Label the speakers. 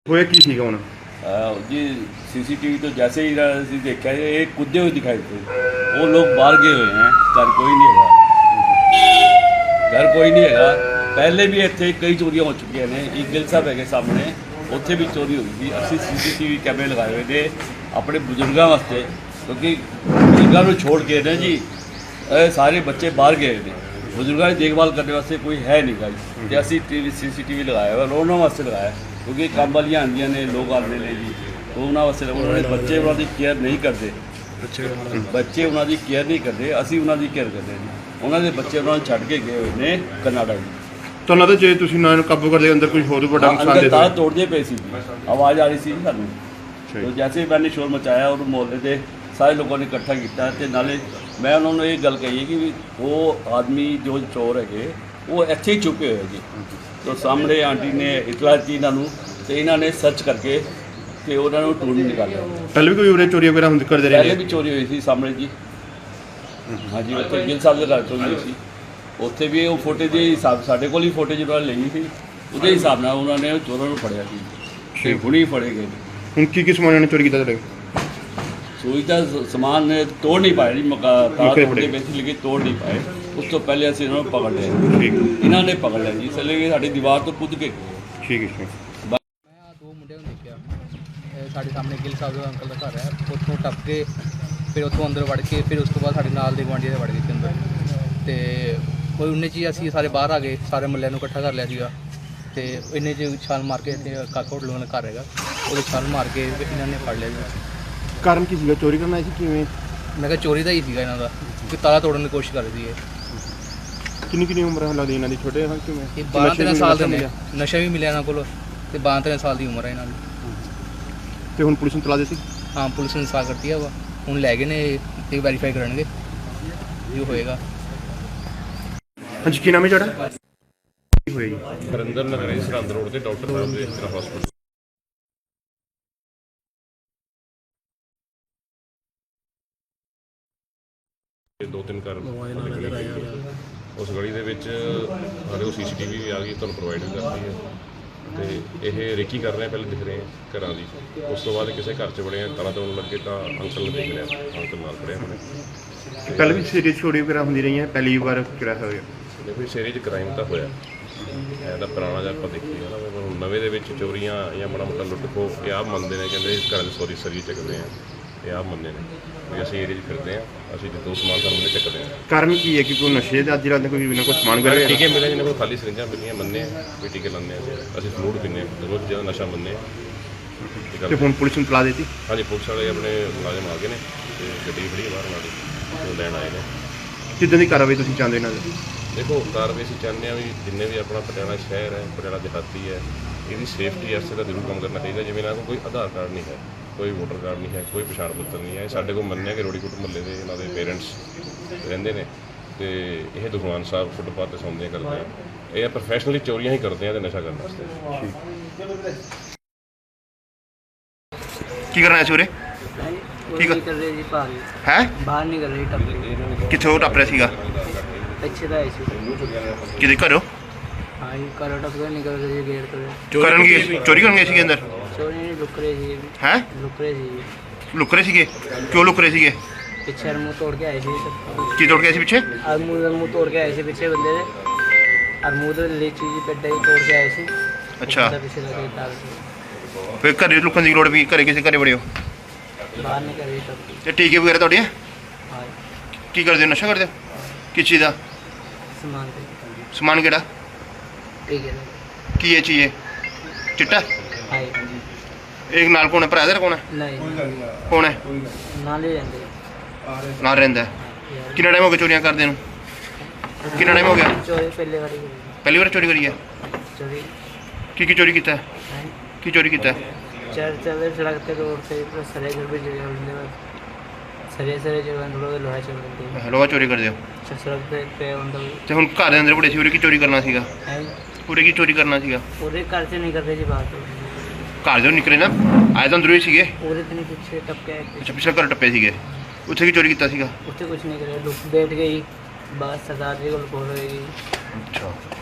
Speaker 1: ਹੋਇਆ ਕੀ ਸੀਗਾ ਹੁਣ?
Speaker 2: जी CCTV तो जैसे ही देखा ये कूदे हुए दिखाई थे। वो लोग बाहर गए हुए हैं, घर कोई नहीं है, पहले भी इतने कई चोरियां हो चुकी ने। एक गिल साहब है सामने, उत्थे भी चोरी हुई थी। असं CCTV कैमरे लगाए हुए थे अपने बजुर्गों वास्ते, क्योंकि बजुर्गों को छोड़ के ना जी सारे बच्चे बाहर गए थे। बजुर्गों की देखभाल करने वास्ते कोई है नहीं गा जी, तो असी CCTV लगाया हुआ रोना वास्ते लगाया, क्योंकि काम वालियाँ आंदियाँ ने लोग आते हैं जी, तो उन्होंने वास्ते उन्होंने बच्चे उन्होंने केयर नहीं करते, बच्चे उन्होंने केयर नहीं करते, असी उन्होंने केयर करते जी। उन्होंने बच्चे उन्होंने छड़ के गए हुए ने कनाडा जी।
Speaker 1: तो ना तो जे तुसीं ना काबू करदे अंदर कोई होर बड़ा नुकसान दे
Speaker 2: तार तोड़ते पे सी, आवाज़ आ रही सी सानू। तो जैसे ही मैंने शोर मचाया और मोहल्ले के सारे लोगों ने इकट्ठा किया, तो नाले मैं उन्होंने ये गल कही कि वो आदमी जो चोर है वो इत्थे ही छुपे हुए जी। तो सामने आंटी ने इतला दी इन्हों, तो इन्होंने सर्च करके तो उन्होंने ढूंढ निकाला।
Speaker 1: पहले भी कोई उरे चोरी वगैरह करते रहे?
Speaker 2: पहले भी चोरी हुई थी सामने जी। हाँ जी, उत्थे गिल साहब के घर चोरी हुई थी, उत्थे भी वो फुटेज के हिसाब साढ़े को ही फुटेज उन्होंने ली थी, उसके हिसाब से उन्होंने चोरों को फड़िया थी, हुणे फड़े गए।
Speaker 1: हुण की समान ने चोरी किया?
Speaker 2: सोई का समान तोड़ नहीं पाए जी, लेकिन तोड़ नहीं पाए। उस तो पहले असं इन्होंने पकड़ लिया, इन्होंने पकड़ लिया जी, इसलिए साड़ी दीवार तो कूद के।
Speaker 1: ठीक है।
Speaker 3: मैं दो मुंडे देखा साढ़े सामने गिल साहब का अंकल का घर है, उतों टप के फिर उतों अंदर वड़ के फिर उस तो बाद साढ़े नाल दे गुआंढी वड़ गए अंदर, तो कोई उन्ने ची असी सारे बाहर आ गए, सारे मुहल्ले इकट्ठा कर लिया सीगा, तो इन्ने च छाल मार के इतने काका होटल वाला घर है वो छाल मार के इन्होंने फड़ लिया जी।
Speaker 1: कारण की सीगा चोरी करना सी किवें?
Speaker 3: मैं कहा चोरी का ही सीगा इन्हों का, कि ताला तोड़ने की कोशिश कर रही है।
Speaker 1: किन्नी उम्र लगती इन्हों की? छोटे हैं किवें?
Speaker 3: 12-13 साल के ने, नशा भी मिले इन्हों को, 12-13 साल की उम्र है इन्हों की।
Speaker 1: तो हुण पुलिस नूं तला दी सी?
Speaker 3: हाँ, पुलिस ने इंसाफ कर दिया वा, हुण लै गए ने ते वैरीफाई करनगे जो होएगा।
Speaker 1: हाँ जी, की नाम है तुहाडा? की होया जी?
Speaker 4: हरिंदर नगर है, सरहद रोड से डॉक्टर साहब के इस हॉस्पिटल। दो तीन घर उस गली के साढ़े को CCTV भी आ गई, तुहानूं प्रोवाइड भी करती है, तो ये रेकी कर रहे हैं, पहले दिख रहे हैं घरों की, उस तो बाद किसी घर च बड़े हैं ताला तोड़न लगे तो अंकल ने देख लिया, अंकल नाल खड़े होने।
Speaker 1: पहले भी सीरीज चोरी वगैरह होंदी रही है, पहली बार किहड़ा होया?
Speaker 4: देखो सीरीज क्राइम तो होया है, पुराना जब आप देखिए ना, नवे दे विच चोरियां या माड़ा मोटा लुट खो ये आप मनते हैं, कहते घर सॉरी सरी चकते हैं, ये आप मनते हैं भी असं एरिया फिरते हैं, असं जो समान सामने चकते हैं।
Speaker 1: कारण की है कि कोई नशे के अज रात कोई बिना कोई समान करे?
Speaker 4: टीके मिले जिन्हें को खाली सरिंजा मिलियां मन्ने भी टीके लाने असं फ्लूड पीने रोज़ ज़्यादा नशा मन्ने।
Speaker 1: तो हुण पुलिस नूं तला देती?
Speaker 4: हाँ जी, पुलिस वाले अपने मुलाजम आ गए हैं, गड्डी खड़ी बाहर नाल लैन आए हैं।
Speaker 1: किदां दी कार्रवाई तुसीं चाहुंदे इन्हां दी?
Speaker 4: देखो कार्रवाई असीं चाहुंदे हां भी जिन्ने भी अपना पटियाला शहर है, पटियाला देहाती है, इसकी सेफ्टी वास्ते तो जरूर काम करना चाहिए। जिवें इन्हां कोल कोई आधार कार्ड नहीं है, कोई वोटर कार्ड नहीं है, कोई पछाण पत्र नहीं है, साढ़े को मन्निया कि रोड़ीकुट मुहल्ले के इन्हों के पेरेंट्स रहिंदे ने, तो यह दुखवान साहब फुटपाथ से सौंदे करते हैं, ये प्रोफैशनली चोरियां ही करते हैं तो नशा करने वास्ते।
Speaker 1: की करना है सूरे?
Speaker 5: की कर रहे जी बाहर
Speaker 1: है
Speaker 5: बाहर नहीं कर रही टप
Speaker 1: कितों टप रहा सीगा?
Speaker 5: अच्छे तो है
Speaker 1: किदे घरों?
Speaker 5: हाँ जी करो टप कर निकल रहे गेट तो
Speaker 1: करन की चोरी करन गए सीगे अंदर?
Speaker 5: चोरी नहीं लुक रहे जी।
Speaker 1: हैं
Speaker 5: लुक रहे जी।
Speaker 1: लुक रहे सीगे? क्यों लुक रहे सीगे?
Speaker 5: पीछे मुंह तोड़ के आए थे सब।
Speaker 1: की तोड़ के आए थे पीछे?
Speaker 5: मुंह तोड़ के आए थे पीछे बंदे ने, और मुंह तो ले चीज पेट ही तोड़ के आए थे।
Speaker 1: अच्छा,
Speaker 5: पीछे लगे तार
Speaker 1: फिर घरे लुकन की लोड़ भी? घरे किसी घरे बड़े हो?
Speaker 5: बाहर नहीं कर रही टप।
Speaker 1: ते टीके वगैरह तुहाडे?
Speaker 5: हाँ
Speaker 1: की करदे हो? नशा करदे हो? किस चीज़ दा
Speaker 5: सामान पे
Speaker 1: समान? केड़ा
Speaker 5: ठीक है
Speaker 1: की है चीज़? चिट्टा?
Speaker 5: हाँ
Speaker 1: एक नाल कौन है? भरा तेरा कौन है?
Speaker 5: नहीं
Speaker 1: कौन है?
Speaker 5: नाल ही रहते
Speaker 1: नाल रहिंदा है? कितना टाइम हो गया चोरियां करदे नूं? कितना टाइम हो गया?
Speaker 5: चोरी पहले बारी
Speaker 1: पहली बार चोरी करी है?
Speaker 5: चोरी
Speaker 1: की चोरी कीता है?
Speaker 5: है
Speaker 1: की चोरी कीता है?
Speaker 5: चल सड़क पे रोड से सरे घर पे जगह होने बस सरे जगह थोड़ा लोहा चल रही है।
Speaker 1: लोहा चोरी कर दियो
Speaker 5: सड़क पे उनका
Speaker 1: ते हुण घर दे अंदर बड़े सी, उरे की चोरी करना सीगा?
Speaker 5: है
Speaker 1: उरे की चोरी करना सीगा?
Speaker 5: पूरे घर से नहीं कर रहे जी बात
Speaker 1: घर जो निकले ना आए तो अंदरों ही सीगे?
Speaker 5: पूरे दिन पीछे टपके
Speaker 1: अच्छा, पिछले घर टप्पे सीगे, उत्थे की चोरी कीता सीगा?
Speaker 5: उससे कुछ नहीं करे बैठ गई बस सरदार जी को बोल रही।
Speaker 1: अच्छा।